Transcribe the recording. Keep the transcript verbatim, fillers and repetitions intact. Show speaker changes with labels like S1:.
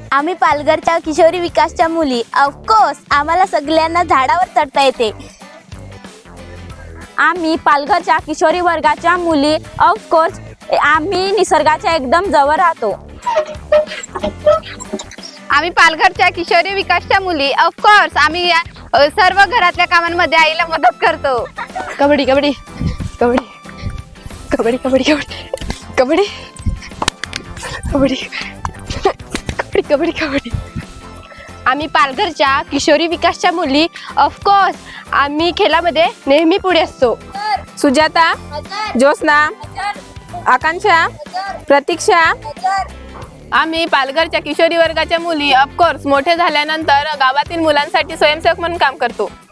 S1: आम्ही पालघरच्या किशोरी विकासच्या मुली. ऑफकोर्स आम्हाला सगळ्यांना झाडावर चढता येते.
S2: आम्ही पालघरच्या किशोरी वर्गाच्या मुली. ऑफकोर्स आम्ही निसर्गाच्या एकदम जवळ राहतो.
S3: आम्ही पालघरच्या किशोरी विकासच्या मुली. ऑफकोर्स आम्ही अ, सर्व घरातल्या कामांमध्ये आईला मदत करतो.
S4: कबड्डी कबड्डी कबड्डी कबड्डी कबड्डी कबड्डी कबड्डी कबड्डी कबड्डी कबड्डी आम्ही पालघरच्या किशोरी विकासच्या मुली. ऑफकोर्स आम्ही खेळामध्ये नेहमी पुढे असतो.
S2: सुजाता, ज्योत्स्ना, आकांक्षा, प्रतीक्षा.
S4: आम्ही पालघरच्या किशोरी वर्गाच्या मुली. ऑफकोर्स मोठे झाल्यानंतर गावातील मुलांसाठी स्वयंसेवक म्हणून काम करतो.